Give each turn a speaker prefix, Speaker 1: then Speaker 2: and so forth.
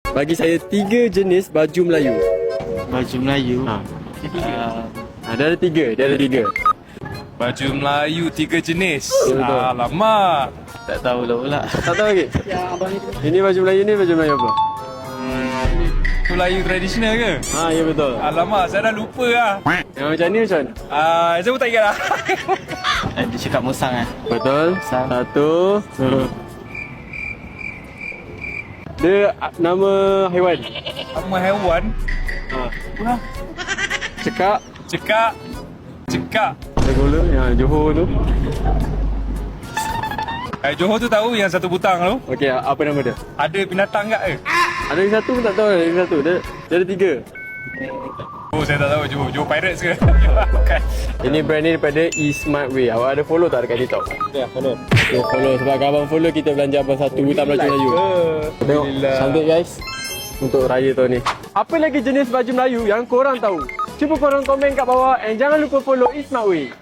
Speaker 1: Bagi saya 3 jenis baju Melayu.
Speaker 2: Baju Melayu.
Speaker 1: Dia ada 3.
Speaker 3: Baju Melayu 3 jenis.
Speaker 1: Ya, betul.
Speaker 3: Alamak.
Speaker 2: Tak tahu lah pula.
Speaker 1: Tak tahu lagi? Ini baju Melayu ni baju Melayu apa?
Speaker 3: Tu Melayu tradisional ke?
Speaker 1: Ya betul.
Speaker 3: Alamak, saya dah lupa lah.
Speaker 1: Yang macam ni macam mana?
Speaker 3: Saya pun tak ingat lah.
Speaker 2: Dia cakap musang lah.
Speaker 1: Betul.
Speaker 2: Musang.
Speaker 1: 1. Dia nama haiwan.
Speaker 3: Nama haiwan.
Speaker 1: Cekak.
Speaker 3: Cekak.
Speaker 1: Gula yang Johor tu.
Speaker 3: Johor tu tahu yang satu butang tu.
Speaker 1: Okey, apa nama dia?
Speaker 3: Ada binatang tak ke?
Speaker 1: Ada yang satu pun tak tahu, ada yang satu. Dia ada 3.
Speaker 3: Oh, saya tak tahu. Johor Pirates ke? Bukan.
Speaker 1: Ini brand ni daripada eSmart Way. Awak ada follow tak dekat TikTok?
Speaker 3: Ya, follow.
Speaker 1: Okay, follow. Sebab kalau abang follow, kita belanja abang satu buta baju Melayu. Tengok, cantik guys. Untuk raya tahun ni. Apa lagi jenis baju Melayu yang korang tahu? Cuba korang komen kat bawah and jangan lupa follow eSmart Way.